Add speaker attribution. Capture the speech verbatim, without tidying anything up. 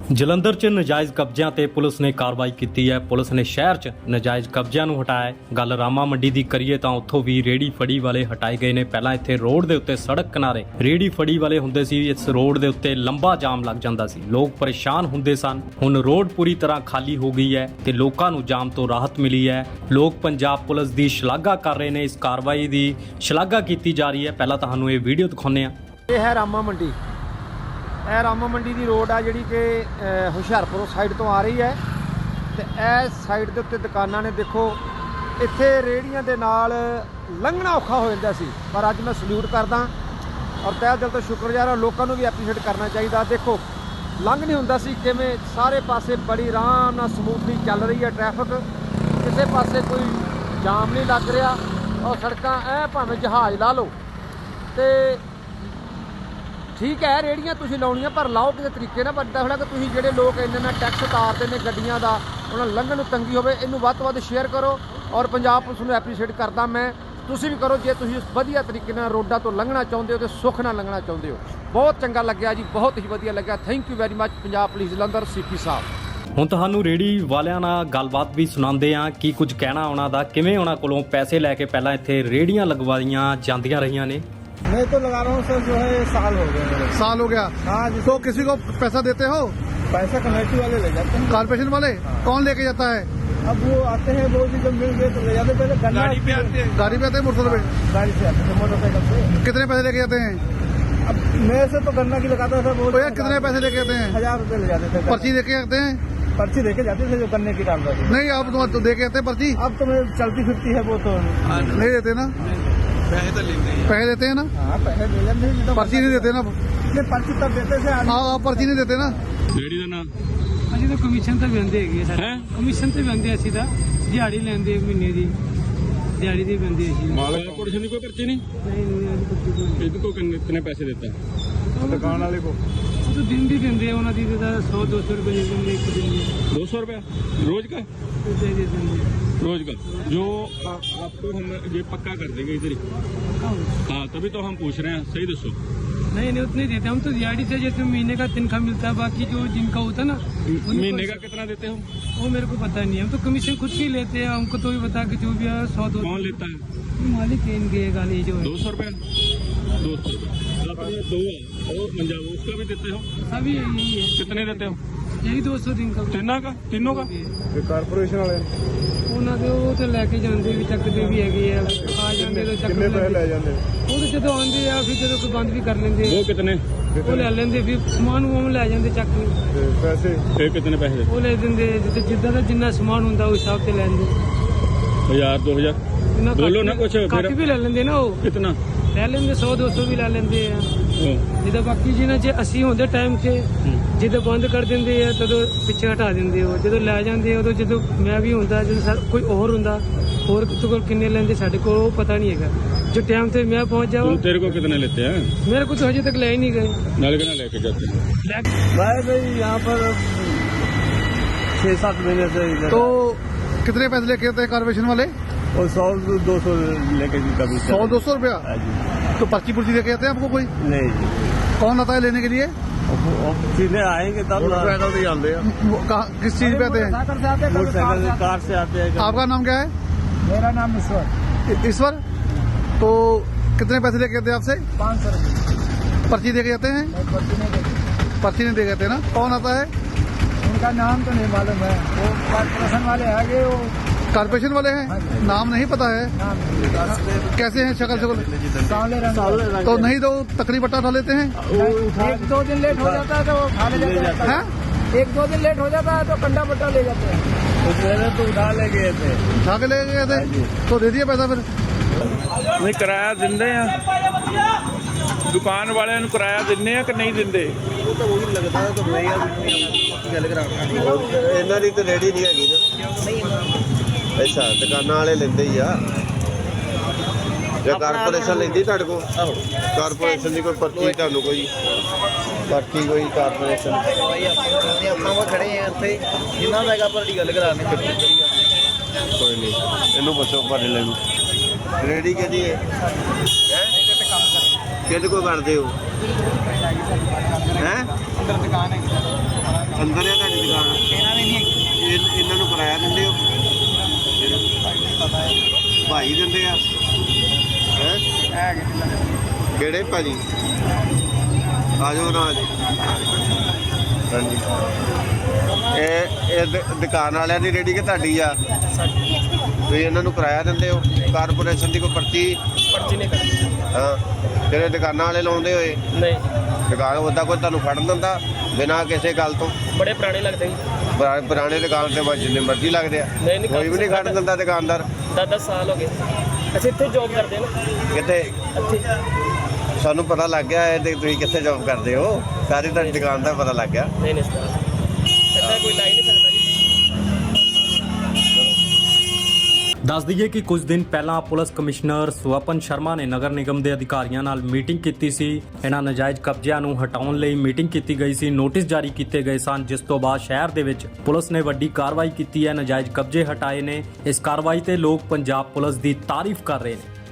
Speaker 1: ਜਲੰਧਰ 'ਚ ਨਜਾਇਜ਼ ਕਬਜ਼ਿਆਂ ਤੇ ਪੁਲਿਸ ਨੇ ਕਾਰਵਾਈ ਕੀਤੀ ਹੈ। ਪੁਲਿਸ ਨੇ ਸ਼ਹਿਰ 'ਚ ਨਜਾਇਜ਼ ਕਬਜ਼ਿਆਂ ਨੂੰ ਹਟਾਇਆ ਹੈ। ਗੱਲ ਰਾਮਾ ਮੰਡੀ ਦੀ ਕਰੀਏ ਤਾਂ ਉੱਥੋਂ ਵੀ ਰੇੜੀ ਫੜੀ ਵਾਲੇ ਹਟਾਏ ਗਏ ਨੇ। ਪਹਿਲਾਂ ਇੱਥੇ ਰੋਡ ਦੇ ਉੱਤੇ ਸੜਕ ਕਿਨਾਰੇ ਰੇੜੀ ਫੜੀ ਵਾਲੇ ਹੁੰਦੇ ਸੀ। ਇਸ ਰੋਡ ਦੇ ਉੱਤੇ ਲੰਬਾ ਜਾਮ ਲੱਗ ਜਾਂਦਾ ਸੀ, ਲੋਕ ਪਰੇਸ਼ਾਨ ਹੁੰਦੇ ਸਨ। ਹੁਣ ਰੋਡ ਪੂਰੀ ਤਰ੍ਹਾਂ ਖਾਲੀ ਹੋ ਗਈ ਹੈ ਤੇ ਲੋਕਾਂ ਨੂੰ ਜਾਮ ਤੋਂ ਰਾਹਤ ਮਿਲੀ ਹੈ। ਲੋਕ ਪੰਜਾਬ ਪੁਲਿਸ ਦੀ ਸ਼ਲਾਘਾ ਕਰ ਰਹੇ ਨੇ। ਇਸ ਕਾਰਵਾਈ ਦੀ ਸ਼ਲਾਘਾ ਕੀਤੀ ਜਾ ਰਹੀ ਹੈ। ਪਹਿਲਾਂ ਤੁਹਾਨੂੰ ਇਹ ਵੀਡੀਓ ਦਿਖਾਉਂਦੇ ਹਾਂ।
Speaker 2: ਇਹ ਹੈ ਰਾਮਾ ਮੰਡੀ। ਇਹ ਰਾਮਾ ਮੰਡੀ ਦੀ ਰੋਡ ਆ ਜਿਹੜੀ ਕਿ ਹੁਸ਼ਿਆਰਪੁਰ ਸਾਈਡ ਤੋਂ ਆ ਰਹੀ ਹੈ ਤੇ ਇਹ ਸਾਈਡ ਦੇ ਉੱਤੇ ਦੁਕਾਨਾਂ ਨੇ। ਦੇਖੋ ਇੱਥੇ ਰੇੜੀਆਂ ਦੇ ਨਾਲ ਲੰਘਣਾ ਔਖਾ ਹੋ ਜਾਂਦਾ ਸੀ, ਪਰ ਅੱਜ ਮੈਂ ਸਲੂਟ ਕਰਦਾ ਔਰ ਤਹਿ ਦਿਲ ਤੋਂ ਸ਼ੁਕਰਗੁਜ਼ਾਰ ਹਾਂ। ਲੋਕਾਂ ਨੂੰ ਵੀ ਐਪਰੀਸ਼ੀਏਟ ਕਰਨਾ ਚਾਹੀਦਾ। ਦੇਖੋ ਲੰਘ ਨਹੀਂ ਹੁੰਦਾ ਸੀ, ਕਿਵੇਂ ਸਾਰੇ ਪਾਸੇ ਬੜੀ ਆਰਾਮ ਨਾਲ ਸਮੂਥਲੀ ਚੱਲ ਰਹੀ ਹੈ ਟ੍ਰੈਫਿਕ। ਕਿਸੇ ਪਾਸੇ ਕੋਈ ਜਾਮ ਨਹੀਂ ਲੱਗ ਰਿਹਾ ਔਰ ਸੜਕਾਂ ਐ ਭਾਵੇਂ ਜਹਾਜ਼ ਲਾ ਲਓ ਤੇ ਠੀਕ ਹੈ। ਰੇੜੀਆਂ ਤੁਸੀਂ ਲਾਉਣੀਆਂ ਪਰ ਲਾਓ ਕਿਸੇ ਤਰੀਕੇ ਨਾਲ। ਵੱਡਾ ਹੋਣਾ ਕਿ ਤੁਸੀਂ ਜਿਹੜੇ ਲੋਕ ਇੰਨੇ ਨਾਲ ਟੈਕਸ ਉਤਾਰਦੇ ਨੇ ਗੱਡੀਆਂ ਦਾ, ਉਹਨਾਂ ਨੂੰ ਲੰਘਣ ਨੂੰ ਤੰਗੀ ਹੋਵੇ। ਇਹਨੂੰ ਵੱਧ ਤੋਂ ਵੱਧ ਸ਼ੇਅਰ ਕਰੋ ਔਰ ਪੰਜਾਬ ਪੁਲਿਸ ਨੂੰ ਐਪਰੀਸ਼ੀਏਟ ਕਰਦਾ ਮੈਂ। ਤੁਸੀਂ ਵੀ ਕਰੋ ਜੇ ਤੁਸੀਂ ਵਧੀਆ ਤਰੀਕੇ ਨਾਲ ਰੋਡਾਂ ਤੋਂ ਲੰਘਣਾ ਚਾਹੁੰਦੇ ਹੋ ਤੇ ਸੁੱਖ ਨਾਲ ਲੰਘਣਾ ਚਾਹੁੰਦੇ ਹੋ। ਬਹੁਤ ਚੰਗਾ ਲੱਗਿਆ ਜੀ, ਬਹੁਤ ਹੀ ਵਧੀਆ ਲੱਗਿਆ। Thank you very much Punjab police Jalandhar CP ਸਾਹਿਬ।
Speaker 1: ਹੁਣ ਤੁਹਾਨੂੰ ਰੇੜੀ ਵਾਲਿਆਂ ਨਾਲ ਗੱਲਬਾਤ ਵੀ ਸੁਣਾਉਂਦੇ ਆ ਕੀ ਕੁਝ ਕਹਿਣਾ ਉਹਨਾਂ ਦਾ, ਕਿਵੇਂ ਉਹਨਾਂ ਕੋਲੋਂ ਪੈਸੇ ਲੈ ਕੇ ਪਹਿਲਾਂ ਇੱਥੇ ਰੇੜੀਆਂ ਲਗਵਾਈਆਂ ਜਾਂਦੀਆਂ ਰਹੀਆਂ ਨੇ।
Speaker 2: मैं तो लगा रहा हूँ सर, जो है साल हो गए मेरे।
Speaker 3: साल हो गया।
Speaker 2: हाँ जी।
Speaker 3: तो किसी को पैसा देते हो?
Speaker 2: पैसा कमेटी वाले ले जाते हैं।
Speaker 3: कारपोरेशन वाले?
Speaker 2: हाँ।
Speaker 3: कौन लेके जाता है?
Speaker 2: अब वो आते हैं, वो भी जब मिल गए तो ले जाते। पहले गाड़ी पे आते हैं।
Speaker 3: गाड़ी पे आते हैं मोटरसाइकिल पे?
Speaker 2: गाड़ी से आते हैं मोटरसाइकिल से।
Speaker 3: कितने पैसे लेके जाते हैं?
Speaker 2: अब मेरे से तो गन्ना की लगाता था वो।
Speaker 3: तो यार कितने पैसे लेके जाते हैं?
Speaker 2: हजार रुपए ले जाते थे।
Speaker 3: पर्ची लेके जाते हैं?
Speaker 2: पर्ची देके जाते थे जो गन्ने की डालता था।
Speaker 3: नहीं, आप तो दे के जाते हैं पर्ची?
Speaker 2: अब तो मैं चलती फिरती है वो तो
Speaker 3: नहीं देते ना?
Speaker 2: पैसे तो लेते हैं।
Speaker 3: पैसे देते हैं ना?
Speaker 2: हाँ पैसे ले लेते हैं।
Speaker 3: पर्ची नहीं देते ना?
Speaker 2: पर्ची तब देते थे।
Speaker 3: हाँ आप पर्ची नहीं देते ना?
Speaker 4: ਰੇੜੀ ਦਾ ਨਾਂ
Speaker 5: ਅਸੀਂ ਤਾਂ ਕਮਿਸ਼ਨ ਤਾਂ ਬੰਦੇ ਹੈਗੇ ਸਰ।
Speaker 4: ਹੈ
Speaker 5: ਕਮਿਸ਼ਨ ਤੇ ਬੰਦੇ ਅਸੀਂ ਤਾਂ ਦਿਹਾੜੀ ਲੈਂਦੇ ਮਹੀਨੇ ਦੀ ਦਿਹਾੜੀ ਦੀ ਬੰਦੇ ਅਸੀਂ।
Speaker 4: ਮਾਲਕ ਕਾਰਪੋਰੇਸ਼ਨ ਦੀ ਕੋਈ ਪਰਚੀ ਨਹੀਂ।
Speaker 5: ਨਹੀਂ ਨਹੀਂ ਅਸੀਂ ਕੁਝ ਕੋਈ
Speaker 4: ਇਹਦੇ ਕੋ ਕਿੰਨੇ ਕਿੰਨੇ ਪੈਸੇ ਦਿੱਤਾ
Speaker 2: दुकान वाले को
Speaker 5: ਉਹ ਤਾਂ ਦਿਨ ਦੀ ਦਿੰਦੇ ਆ, ਉਹਨਾਂ ਦੀ ਤਾਂ सौ दो सौ रुपये ਦੇ ਦਿੰਦੇ ਇੱਕ ਦਿਨ ਦੀ
Speaker 4: दो सौ रुपया रोज का
Speaker 5: ਤੇ ਦੇ ਦੇ ਦਿੰਦੇ
Speaker 4: रोज का जो आ, आपको हम ये पक्का कर देंगे इधर ही। हाँ तभी तो हम पूछ रहे हैं, सही दसो।
Speaker 5: नहीं नहीं उतने देते हम तो दिहाड़ी से जैसे महीने का तनख्वाह मिलता है, बाकी जो जिनका होता है ना
Speaker 4: महीने का कितना देते हो?
Speaker 5: वो मेरे को पता नहीं है। हम तो कमीशन खुद की लेते हैं, हमको तो भी बता के जो भी है सौ दो
Speaker 4: कौन लेता है?
Speaker 5: मालिक है इनके गाली जो
Speaker 4: दो सौ रुपया दो सौ रुपया अपने दो है और पंजाब उसका भी देते हो?
Speaker 5: सभी यही है,
Speaker 4: कितने देते हो?
Speaker 5: यही दो सौ दिन का
Speaker 4: तीनों का तीनों का
Speaker 2: कारपोरेशन वाले
Speaker 5: ਉਹਨਾਂ ਦੇ ਉਹ ਤੇ ਲੈ ਕੇ ਜਾਂਦੇ ਵੀ ਚੱਕਦੇ ਵੀ ਹੈਗੇ ਆ, ਆ ਜਾਂਦੇ ਤਾਂ ਚੱਕ ਲੈਂਦੇ।
Speaker 2: ਜਾਂਦੇ
Speaker 5: ਉਹ ਤੇ ਜਦੋਂ ਆਉਂਦੇ ਆ ਫਿਰ ਜਦੋਂ ਕੋਈ ਬੰਦ ਵੀ ਕਰ ਲੈਂਦੇ
Speaker 4: वो
Speaker 5: ਆ,
Speaker 4: कितने
Speaker 5: ਉਹ ਲੈ ਲੈਂਦੇ ਫਿਰ ਸਮਾਨ ਉਹ ਲੈ ਜਾਂਦੇ ਚੱਕ ਕੇ
Speaker 2: पैसे
Speaker 4: ये कितने पैसे देते?
Speaker 5: ਉਹ ਲੈ ਦਿੰਦੇ। ਜਿੱਦਾਂ ਜਿੱਦਾਂ ਦਾ ਜਿੰਨਾ ਸਮਾਨ ਹੁੰਦਾ ਉਸ ਹਿਸਾਬ ਤੇ ਲੈਂਦੇ।
Speaker 4: हजार दो हजार
Speaker 5: ਜਿੰਨਾ
Speaker 4: बोलो
Speaker 5: ਘੱਟ
Speaker 4: ना कुछ
Speaker 5: ਘੱਟ
Speaker 4: फिर
Speaker 5: ਵੀ ਲੈ ਲੈਂਦੇ ਨਾ, ਉਹ
Speaker 4: कितना
Speaker 5: ਲੈ ਲੈਂਦੇ सौ दो सौ ਵੀ ਲੈ ਲੈਂਦੇ ਆ।
Speaker 4: ओ,
Speaker 5: ਜਿੱਦਾਂ ਬਾਕੀ ਜਿਹਨਾਂ ਜੇ ਅਸੀਂ ਹੁੰਦੇ ਟਾਈਮ 'ਚ ਜਦੋਂ ਬੰਦ ਕਰ ਦਿੰਦੇ ਆ ਤਦੋਂ ਪਿੱਛੇ ਹਟਾ ਦਿੰਦੇ ਹੋ। ਜਦੋਂ ਲੈ ਜਾਂਦੇ ਉਦੋਂ ਜਦੋਂ ਮੈਂ ਵੀ ਹੁੰਦਾ, ਜਦੋਂ ਸਾ- ਕੋਈ ਹੋਰ ਹੁੰਦਾ ਹੋਰ ਤੋਂ ਕੋਲ ਕਿੰਨੇ ਲੈਂਦੇ ਸਾਡੇ ਕੋਲ ਉਹ ਪਤਾ ਨਹੀਂ ਹੈਗਾ। ਜੋ ਟਾਈਮ ਤੇ ਮੈਂ ਪਹੁੰਚ ਜਾਵਾਂ
Speaker 4: तुम तेरे को कितने लेते हैं?
Speaker 5: मेरे को तो अभी तक ले ही नहीं गए।
Speaker 4: नाले के ना लेके जाते हैं।
Speaker 2: भाई भाई यहाँ पर छः सात महीने से
Speaker 3: तो कितने पैसे लेके जाते हैं कारपोरेशन वाले?
Speaker 2: और सौ दो सौ लेके जी कभी
Speaker 3: सौ दो सौ रुपया? तो पर्ची पुर्ची लेके जाते हैं आपको कोई?
Speaker 2: नहीं
Speaker 3: कौन आता है लेने के लिए?
Speaker 2: सीधे आएंगे तब मोटरसाइकिल से आते हैं।
Speaker 3: वो कहाँ- किस चीज पे आते हैं?
Speaker 2: मोटरसाइकिल कार से आते हैं।
Speaker 3: आपका नाम क्या है?
Speaker 2: मेरा नाम ईश्वर।
Speaker 3: ईश्वर। तो कितने पैसे लेके जाते हैं आपसे?
Speaker 2: पाँच सौ रुपये।
Speaker 3: पर्ची देके जाते हैं?
Speaker 2: पर्ची नहीं देते।
Speaker 3: पर्ची नहीं दे जाते ना? कौन आता है?
Speaker 2: उनका नाम तो नहीं मालूम है, वो कॉर्पोरेशन वाले आगे वो
Speaker 3: कारपोरेशन वाले हैं? नाम नहीं पता है?
Speaker 2: नाम
Speaker 3: कैसे हैं शक्ल शक्ल?
Speaker 2: सावले रंग।
Speaker 3: तो नहीं तो तकरीब बट्टा उठा लेते हैं?
Speaker 2: एक दो दिन लेट हो जाता है तो वो खा ले जाते हैं।
Speaker 3: हैं?
Speaker 2: एक दो दिन लेट हो जाता है तो कंडा बट्टा ले जाते हैं। तो पहले तो उठा ले गए थे।
Speaker 3: उठा के ले गए थे? तो दे दिया पैसा फिर?
Speaker 6: ਨਹੀਂ ਕਿਰਾਇਆ ਦਿੰਦੇ ਆ, ਦੁਕਾਨ ਵਾਲਿਆਂ ਨੂੰ ਕਿਰਾਇਆ ਦਿੰਦੇ ਆ ਕਿ ਨਹੀਂ ਦਿੰਦੇ?
Speaker 7: ਇਹਨਾਂ ਦੀ ਤਾਂ ਰੇੜੀ ਨਹੀਂ ਹੈਗੀ ਨਾ। ਅੱਛਾ ਦੁਕਾਨਾਂ ਵਾਲੇ ਲੈਂਦੇ ਹੀ ਆ ਜਾਂ ਕਾਰਪੋਰੇਸ਼ਨ ਲੈਂਦੀ ਤੁਹਾਡੇ ਕੋਲ? ਕਾਰਪੋਰੇਸ਼ਨ ਦੀ ਕੋਈ ਪਰਚੀ ਤੁਹਾਨੂੰ ਕੋਈ ਪਰਚੀ ਕੋਈ ਕਾਰਪੋਰੇਸ਼ਨ?
Speaker 2: ਆਪਾਂ ਉਹ ਖੜੇ ਆ ਇੱਥੇ ਜਿੰਨਾ ਦਾ ਹੈਗਾ ਪਰ ਗੱਲ ਕਰਾਣੇ।
Speaker 7: ਕੋਈ ਨਹੀਂ, ਇਹਨੂੰ ਪੁੱਛੋ ਭਾੜੇ ਨੂੰ ਰੇੜੀ ਕਿਹਦੀ ਹੈ? ਹੈ ਕਿਹਦੇ ਕੋਲ ਕਰਦੇ ਹੋ? ਹੈ
Speaker 2: ਅੰਦਰ ਦੁਕਾਨ ਹੈ।
Speaker 7: ਅੰਦਰ ਆ ਤੁਹਾਡੀ ਦੁਕਾਨ?
Speaker 8: ਇਹਨਾਂ ਦੇ ਨਹੀਂ ਹੈਗੀ।
Speaker 7: ਇਹ- ਇਹਨਾਂ ਨੂੰ ਕਿਰਾਇਆ ਦਿੰਦੇ ਹੋ? ਭਾਈ ਦਿੰਦੇ ਆ ਹੈ? ਕਿਹੜੇ ਭਾਜੀ? ਆ ਜਾਓ ਨਾ ਜੀ। ਹਾਂਜੀ, ਇਹ ਇਹ ਦ- ਦੁਕਾਨ ਵਾਲਿਆਂ ਦੀ ਰੇਹੜੀ ਕਿ ਤੁਹਾਡੀ ਆ? ਤੁਸੀਂ ਇਹਨਾਂ ਨੂੰ ਕਿਰਾਇਆ ਦਿੰਦੇ ਹੋ? ਕਾਰਪੋਰੇਸ਼ਨ ਦੀ ਕੋਈ ਪਰਚੀ?
Speaker 8: ਪਰਚੀ ਨਹੀਂ ਕਰਦੀ।
Speaker 7: ਹਾਂ, ਜਿਹੜੇ ਦੁਕਾਨਾਂ ਵਾਲੇ ਲਾਉਂਦੇ ਹੋਏ
Speaker 8: ਨਹੀਂ,
Speaker 7: ਦੁਕਾਨ ਉੱਦਾਂ ਕੋਈ ਤੁਹਾਨੂੰ ਫੜਨ ਦਿੰਦਾ ਬਿਨਾਂ ਕਿਸੇ ਗੱਲ ਤੋਂ?
Speaker 8: ਬੜੇ ਪੁਰਾਣੇ ਲੱਗਦੇ ਜੀ।
Speaker 7: ਪੁਰਾ- ਪੁਰਾਣੇ ਦੁਕਾਨ ਤੇ ਬਸ ਜਿੰਨੇ ਮਰਜ਼ੀ ਲੱਗਦੇ ਆ,
Speaker 8: ਨਹੀਂ, ਨਹੀਂ,
Speaker 7: ਕੋਈ ਵੀ ਨਹੀਂ ਖੜਨ ਦਿੰਦਾ ਦੁਕਾਨਦਾਰ?
Speaker 8: ਦਸ ਦਸ ਸਾਲ ਹੋ ਗਏ ਅਸੀਂ ਇੱਥੇ ਜੌਬ ਕਰਦੇ ਹਾਂ ਨਾ।
Speaker 7: ਕਿੱਥੇ?
Speaker 8: ਇੱਥੇ
Speaker 7: ਸਾਨੂੰ ਪਤਾ ਲੱਗ ਗਿਆ ਇਹ ਤੇ ਤੁਸੀਂ ਕਿੱਥੇ ਜੌਬ ਕਰਦੇ ਹੋ, ਸਾਰੀ ਤੁਹਾਡੀ ਦੁਕਾਨ ਦਾ ਪਤਾ ਲੱਗ ਗਿਆ।
Speaker 8: ਨਹੀਂ ਨਹੀਂ ਸਰ, ਇੱਦਾਂ ਕੋਈ ਲਾਈ ਨਹੀਂ ਸਕਦਾ ਜੀ।
Speaker 1: ਦੱਸ ਦਈਏ ਕਿ ਕੁਝ ਦਿਨ ਪਹਿਲਾਂ ਪੁਲਿਸ ਕਮਿਸ਼ਨਰ ਸਵਪਨ ਸ਼ਰਮਾ ਨੇ ਨਗਰ ਨਿਗਮ ਦੇ ਅਧਿਕਾਰੀਆਂ ਨਾਲ ਮੀਟਿੰਗ ਕੀਤੀ ਸੀ। ਇਹਨਾਂ ਨਾਜਾਇਜ਼ ਕਬਜ਼ਿਆਂ ਨੂੰ ਹਟਾਉਣ ਲਈ ਮੀਟਿੰਗ ਕੀਤੀ ਗਈ ਸੀ, ਨੋਟਿਸ ਜਾਰੀ ਕੀਤੇ ਗਏ ਸਨ, ਜਿਸ ਤੋਂ ਬਾਅਦ ਸ਼ਹਿਰ ਦੇ ਵਿੱਚ ਪੁਲਿਸ ਨੇ ਵੱਡੀ ਕਾਰਵਾਈ ਕੀਤੀ ਹੈ, ਨਾਜਾਇਜ਼ ਕਬਜ਼ੇ ਹਟਾਏ ਨੇ। ਇਸ ਕਾਰਵਾਈ ਤੇ ਲੋਕ ਪੰਜਾਬ ਪੁਲਿਸ ਦੀ ਤਾਰੀਫ ਕਰ ਰਹੇ ਨੇ।